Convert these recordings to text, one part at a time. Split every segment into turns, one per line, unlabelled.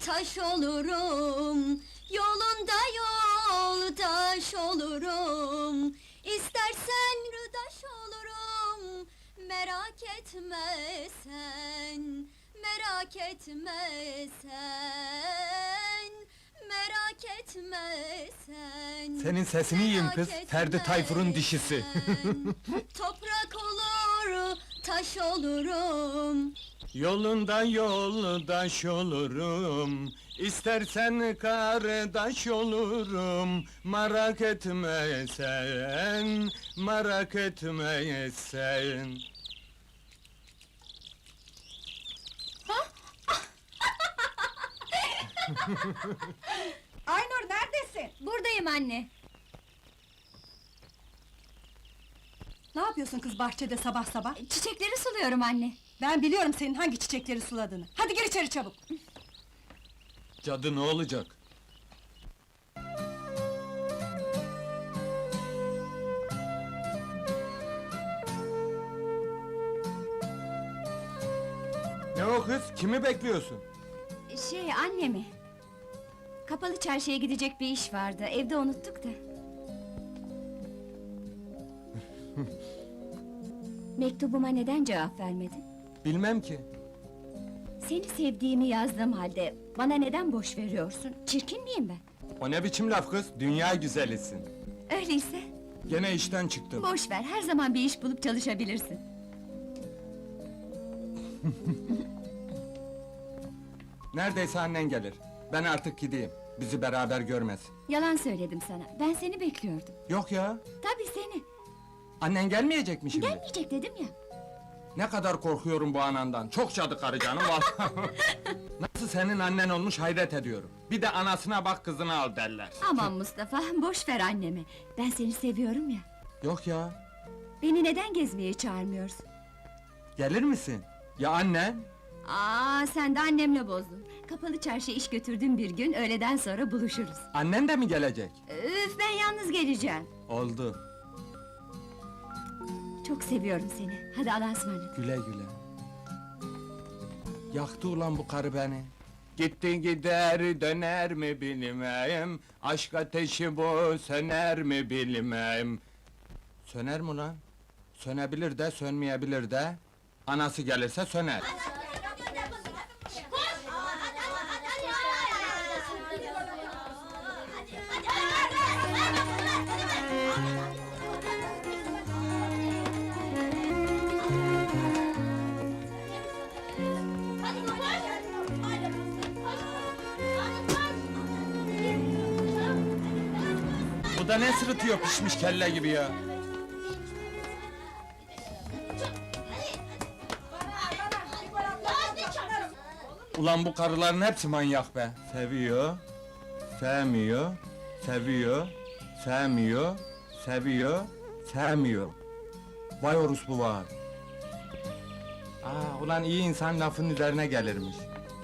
taş olurum. Yolunda yoldaş olurum. İstersen rıdaş olurum. Merak etme sen, merak etme sen, merak etme sen.
Senin sesini yiyeyim kız,
merak
Ferdi
etme
Tayfur'un dişisi.
sen. Toprak olur, taş olurum.
Yolunda yoldaş olurum, İstersen kardeş olurum. Merak etme sen, merak etme sen.
Aynur neredesin?
Buradayım anne.
Ne yapıyorsun kız bahçede sabah sabah?
Çiçekleri suluyorum anne.
Ben biliyorum senin hangi çiçekleri suladığını. Hadi gir içeri çabuk.
Cadı ne olacak? Ne o kız? Kimi bekliyorsun?
Annemi. Kapalı çarşıya gidecek bir iş vardı, evde unuttuk da. Mektubuma neden cevap vermedin?
Bilmem ki.
Seni sevdiğimi yazdığım halde, bana neden boş veriyorsun? Çirkin miyim ben?
O ne biçim laf kız? Dünya güzelisin.
Öyleyse,
Gene işten çıktın.
boş ver, her zaman bir iş bulup çalışabilirsin.
Neredeyse annen gelir. Ben artık gideyim. Bizi beraber görmesin.
Yalan söyledim sana, ben seni bekliyordum.
Yok ya.
Tabii seni,
Annen gelmeyecek mi şimdi?
gelmeyecek dedim ya.
Ne kadar korkuyorum bu anandan. Çok cadı karı canım vallahi. Nasıl senin annen olmuş hayret ediyorum. Bir de anasına bak kızını al derler.
Aman Mustafa, boş ver annemi. Ben seni seviyorum ya.
Yok ya.
Beni neden gezmeye çağırmıyorsun?
Gelir misin? Ya annen?
Sen de annemle bozdun. Kapalı çarşıya iş götürdüğüm bir gün, öğleden sonra buluşuruz.
Annen de mi gelecek?
Üf, ben yalnız geleceğim.
Oldu.
Çok seviyorum seni. Hadi Allah'a ısmarladık.
Güle güle. Yaktı ulan bu karı beni. Gitti gider döner mi bilmem. Aşk ateşi bu söner mi bilmem. Söner mi lan? Sönebilir de sönmeyebilir de. Anası gelirse söner. Bu da ne sırıtıyor pişmiş kelle gibi ya? Ulan bu karıların hepsi manyak be! Seviyor, sevmiyor, seviyor, sevmiyor, seviyor, sevmiyor. Vay orospu var! Ulan iyi insan lafın üzerine gelirmiş.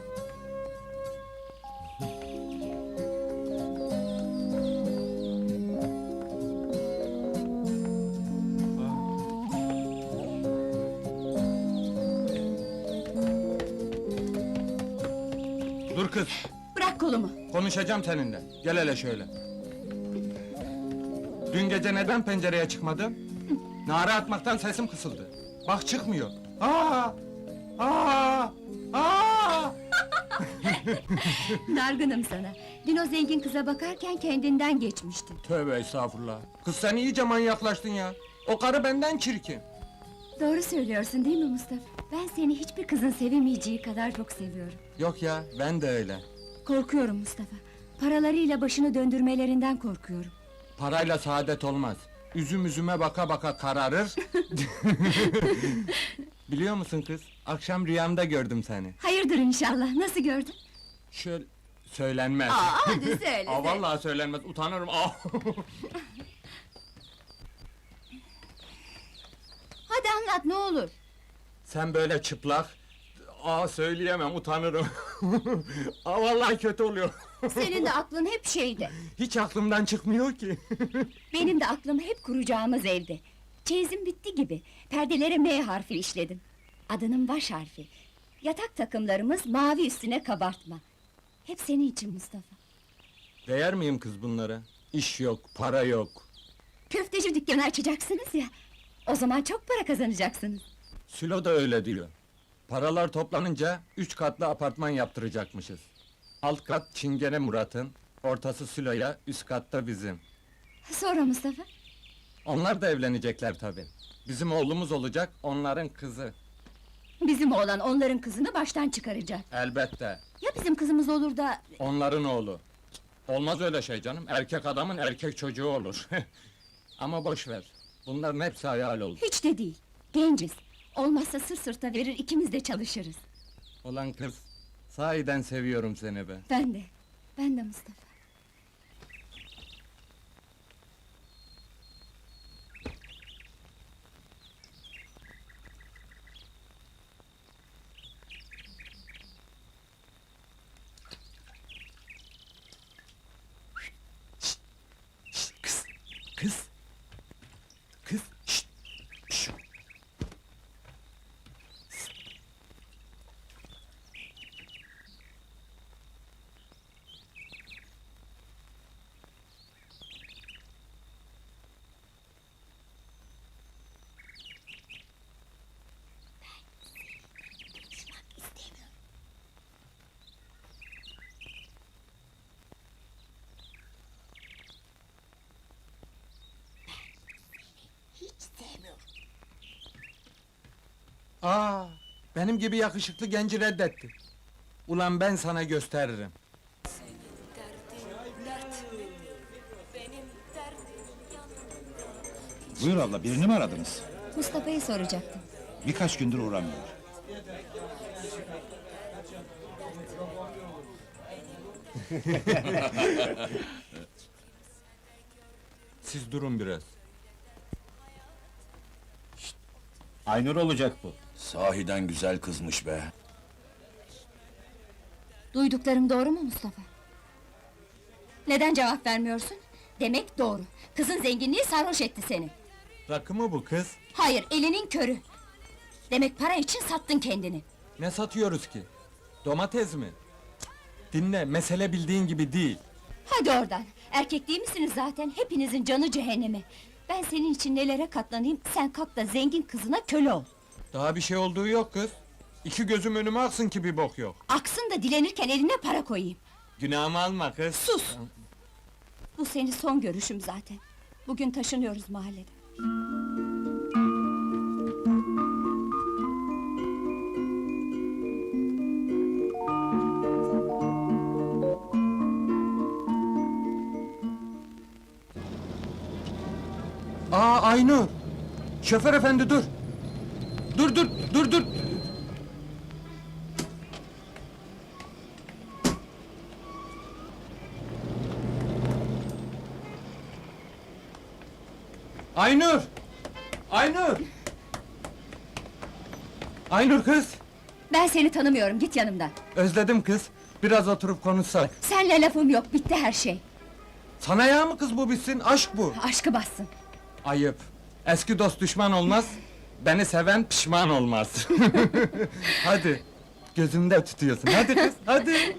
Dur kız!
Bırak kolumu.
Konuşacağım seninle. Gel hele şöyle. Dün gece neden pencereye çıkmadın? Nara atmaktan sesim kısıldı. Bak çıkmıyor. Aa! Aa! Aa!
Dargınım sana. Dün o zengin kıza bakarken kendinden geçmiştin.
Tövbe estağfurullah. Kız sen iyice manyaklaştın ya. O karı benden çirkin.
Doğru söylüyorsun değil mi Mustafa? Ben seni hiçbir kızın sevemeyeceği kadar çok seviyorum.
Yok ya, ben de öyle.
Korkuyorum Mustafa. Paralarıyla başını döndürmelerinden korkuyorum.
Parayla saadet olmaz. Üzüm üzüme baka baka kararır. Biliyor musun kız? Akşam rüyamda gördüm seni.
Hayırdır inşallah, nasıl gördün?
Şöyle... Söylenmez.
Hadi söyle.
Vallahi söylenmez, utanırım.
Hadi anlat, ne olur.
Sen böyle çıplak... söyleyemem, utanırım. Vallahi kötü oluyor.
Senin de aklın hep şeyde.
Hiç aklımdan çıkmıyor ki.
Benim de aklım hep kuracağımız evde. Çeyizim bitti gibi. Perdelere M harfi işledim. Adının baş harfi. Yatak takımlarımız mavi üstüne kabartma. Hep senin için Mustafa.
Değer miyim kız bunlara? İş yok, para yok.
Köfteci dükkanı açacaksınız ya. O zaman çok para kazanacaksınız.
Sülo da öyle diyor. Paralar toplanınca 3 katlı apartman yaptıracakmışız. Alt kat Çingene Murat'ın, ortası Sülo'ya, üst katta bizim.
Sonra Mustafa?
Onlar da evlenecekler tabii. Bizim oğlumuz olacak, onların kızı.
Bizim oğlan onların kızını baştan çıkaracak.
Elbette.
Ya bizim kızımız olur da...
Onların oğlu. Olmaz öyle şey canım, erkek adamın erkek çocuğu olur. Ama boş ver. Bunların hepsi hayal oldu.
Hiç de değil. Genciz. Olmazsa sır sırta verir, ikimiz de çalışırız.
Ulan kız, sahiden seviyorum seni be.
Ben de. Ben de Mustafa.
Kız, kız, kız, şşt, şşt. Aa, benim gibi yakışıklı genci reddetti. Ulan ben sana gösteririm.
Buyur abla, birini mi aradınız?
Mustafa'yı soracaktım.
Birkaç gündür uğramıyor.
Siz durun biraz.
Aynur olacak bu.
Sahiden güzel kızmış be.
Duyduklarım doğru mu Mustafa? Neden cevap vermiyorsun? Demek doğru. Kızın zenginliği sarhoş etti seni.
Rakı mı bu kız?
Hayır, elinin körü. Demek para için sattın kendini.
Ne satıyoruz ki? Domates mi? Cık, dinle, mesele bildiğin gibi değil.
Hadi oradan. Erkek değil misiniz zaten? Hepinizin canı cehenneme. Ben senin için nelere katlanayım, sen kalk da zengin kızına köle ol.
Daha bir şey olduğu yok kız. İki gözüm önüme aksın ki bir bok yok.
Aksın da dilenirken eline para koyayım.
Günahımı alma kız.
Sus! Bu senin son görüşüm zaten. Bugün taşınıyoruz mahalleden.
Aa Aynur! Şoför efendi dur! Dur! Aynur! Aynur! Aynur kız!
Ben seni tanımıyorum, git yanımdan.
Özledim kız. Biraz oturup konuşsak.
Senle lafım yok, bitti her şey.
Sana ya mı kız bu bitsin? Aşk bu.
Aşkı bassın.
Ayıp. Eski dost düşman olmaz. Beni seven pişman olmaz. Hadi. Gözümde tutuyorsun. Hadi kız, hadi.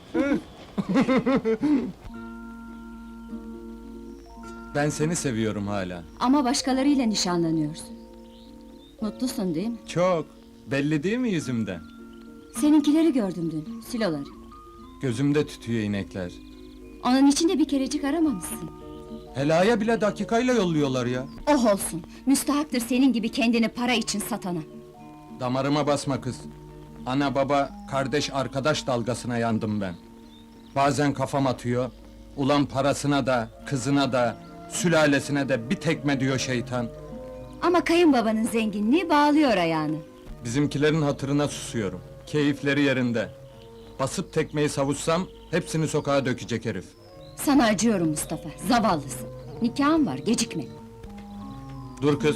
Ben seni seviyorum hala.
Ama başkalarıyla nişanlanıyorsun. Mutlusun değil mi?
Çok. Belli değil mi yüzümden?
Seninkileri gördüm dün, siloları.
Gözümde tütüyor inekler.
Onun için de bir kerecik aramamışsın.
Helaya bile dakikayla yolluyorlar ya.
Oh olsun, müstahaktır senin gibi kendini para için satana.
Damarıma basma kız. Ana baba, kardeş arkadaş dalgasına yandım ben. Bazen kafam atıyor. Ulan parasına da, kızına da, sülalesine de bir tekme diyor şeytan.
Ama kayınbabanın zenginliği bağlıyor ayağını.
Bizimkilerin hatırına susuyorum. Keyifleri yerinde. Basıp tekmeyi savutsam, hepsini sokağa dökecek herif.
Sana acıyorum Mustafa, zavallısın. Nikahın var, gecikme.
Dur kız.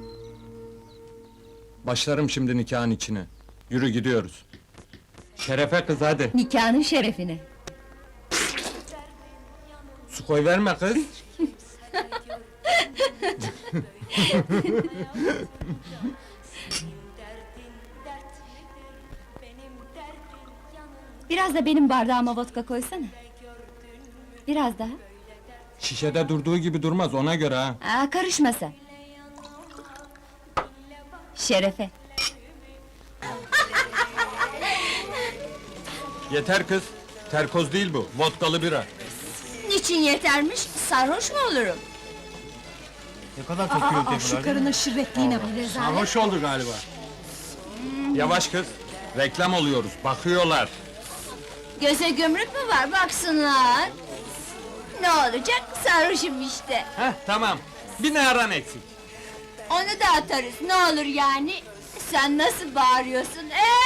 Başlarım şimdi nikahın içine. Yürü gidiyoruz. Şerefe kız hadi.
Nikahının şerefine.
Su koy verme kız.
Biraz da benim bardağıma vodka koysana. Biraz daha.
Şişede durduğu gibi durmaz, ona göre ha.
Aa, karışma sen. Şerefe.
Yeter kız, terkoz değil bu, vodkalı bira.
Niçin yetermiş? Sarhoş mu olurum?
Ne kadar
Aa, şu karının şirretliğine bak.
Sarhoş oldu galiba. Yavaş kız, reklam oluyoruz, bakıyorlar.
Göze gömrük mü var, baksınlar. Ne olacak? Sarhoşum işte.
Heh, tamam, bir naran eksik.
Onu da atarız, ne olur yani? Sen nasıl bağırıyorsun?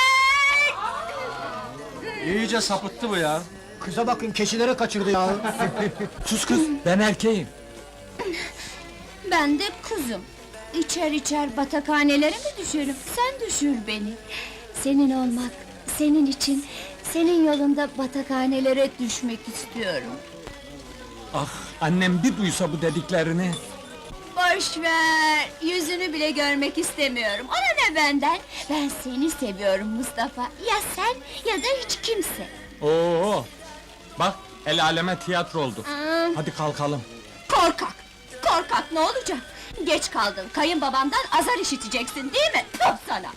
İyice sapıttı bu ya.
Kıza bakın keçilere kaçırdı ya.
Sus kız, ben erkeğim.
Ben de kuzum. İçer içer batakhanelere mi düşerim? Sen düşür beni. Senin olmak, senin için, senin yolunda batakhanelere düşmek istiyorum.
Ah, annem bir duysa bu dediklerini.
Boş ver, yüzünü bile görmek istemiyorum. Ona ne benden? Ben seni seviyorum Mustafa. Ya sen ya da hiç kimse.
Oo, bak, el aleme tiyatro oldu.
Aa,
Hadi kalkalım.
korkak! Korkak ne olacak? Geç kaldın, kayınbabamdan azar işiteceksin değil mi? Top sana!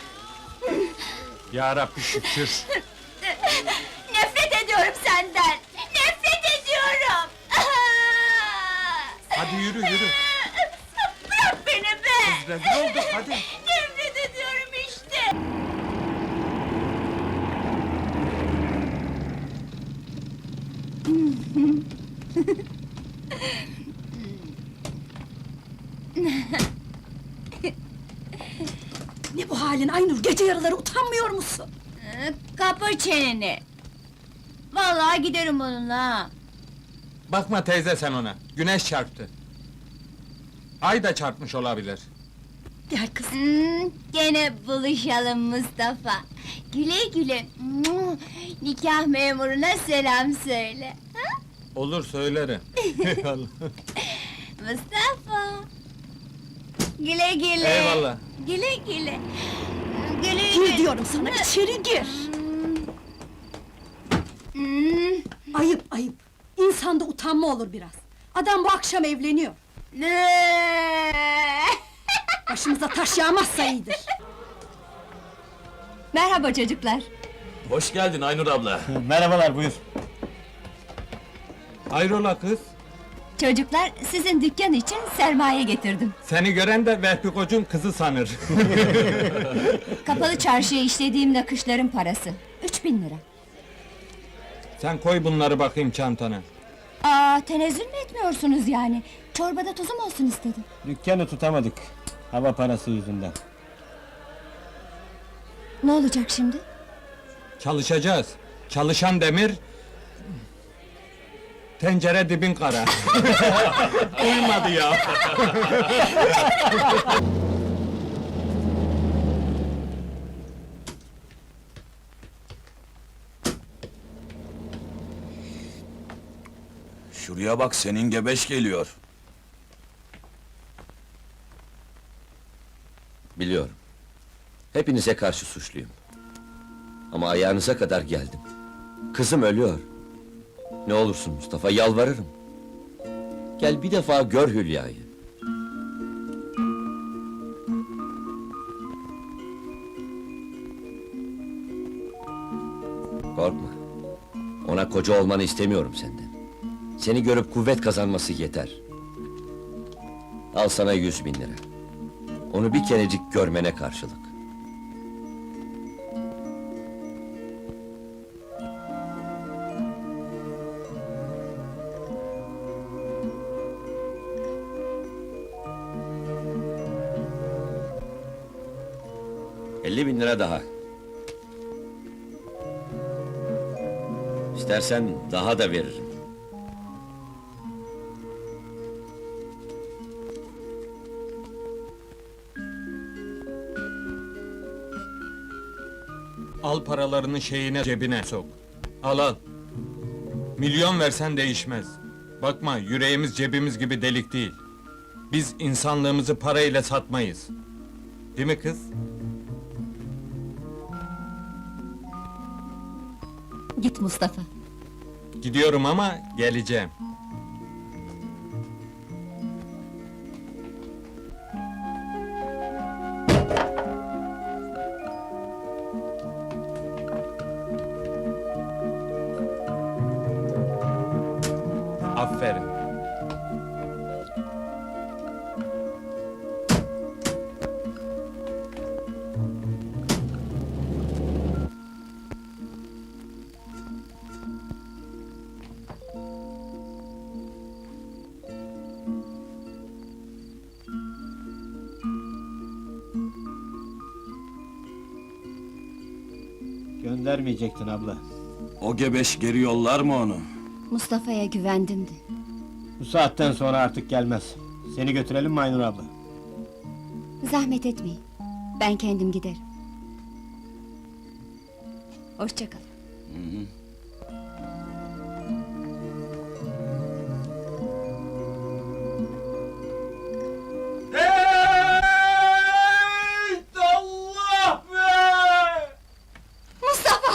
Ya Rabbi şükür.
Nefret ediyorum senden! Nefret ediyorum!
Hadi yürü, yürü.
Bırak beni be!
Rezil olduk, hadi.
Nefret ediyorum işte!
Ne bu halin Aynur? Gece yarıları utanmıyor musun?
Kapa çeneni! Vallahi giderim onunla ha!
Bakma teyze sen ona, güneş çarptı. Ay da çarpmış olabilir.
Gel kız.
Gene buluşalım Mustafa! Güle güle! Nikah memuruna selam söyle! Ha?
Olur söylerim. Eyvallah.
Mustafa! Güle güle!
Eyvallah.
Güle güle! Güle
Gir diyorum sana, içeri gir. Ayıp ayıp. İnsanda utanma olur biraz. Adam bu akşam evleniyor. Başımıza taş yağmazsa iyidir.
Merhaba çocuklar!
Hoş geldin Aynur abla.
Merhabalar, buyur.
Hayrola kız?
Çocuklar, sizin dükkan için sermaye getirdim.
Seni gören de Vehbi Koç'un kızı sanır.
Kapalı çarşıya işlediğim nakışların parası. 3000 lira.
Sen koy bunları bakayım çantana.
Aa, tenezzül mü etmiyorsunuz yani? Çorbada tuzum olsun istedim.
Dükkanı tutamadık. Hava parası yüzünden.
Ne olacak şimdi?
Çalışacağız. Çalışan demir... Tencere dibin kara. Uymadı ya.
Şuraya bak, senin gebeş geliyor.
Biliyorum. Hepinize karşı suçluyum. Ama ayağınıza kadar geldim. Kızım ölüyor. Ne olursun Mustafa, yalvarırım. Gel bir defa gör Hülya'yı. Korkma. Ona koca olmanı istemiyorum senden. Seni görüp kuvvet kazanması yeter. Al sana 100.000 lira. Onu bir kerecik görmene karşılık. $50.000 daha. İstersen daha da veririm.
Al paralarını şeyine, cebine sok. Al al. Milyon versen değişmez. Bakma, yüreğimiz cebimiz gibi delik değil. Biz insanlığımızı parayla satmayız. Değil mi kız?
Git Mustafa.
Gidiyorum ama geleceğim. Aferin.
Göndermeyecektin abla.
O gebeş geri yollar mı onu?
Mustafa'ya güvendim de.
Bu saatten sonra artık gelmez. Seni götürelim mi Aynur abla?
Zahmet etmeyin. Ben kendim giderim. Hoşça kalın.
Allah be!
Mustafa!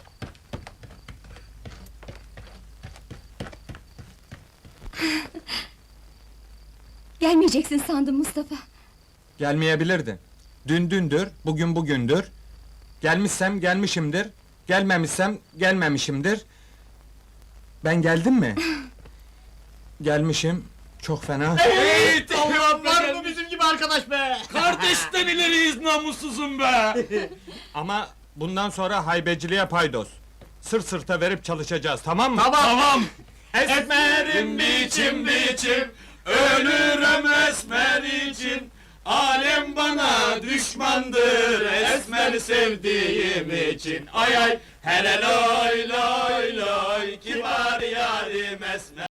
Gelmeyeceksin sandım Mustafa.
Gelmeyebilirdin. Dün dündür, bugün bugündür. Gelmişsem gelmişimdir, gelmemişsem gelmemişimdir. Ben geldim mi? Gelmişim, çok fena.
Hey Allah
Var mı bizim gibi arkadaş be?
Kardeşten ileriyiz namussuzum be!
Ama bundan sonra haybeciliğe paydos. Sırt sırta verip çalışacağız, tamam mı?
Tamam!
Esmerim
biçim biçim, ölürüm esmer için. Alem bana düşmandır esmer sevdiğim için. Ay ay, hele loy loy loy, kibar yarim esmer.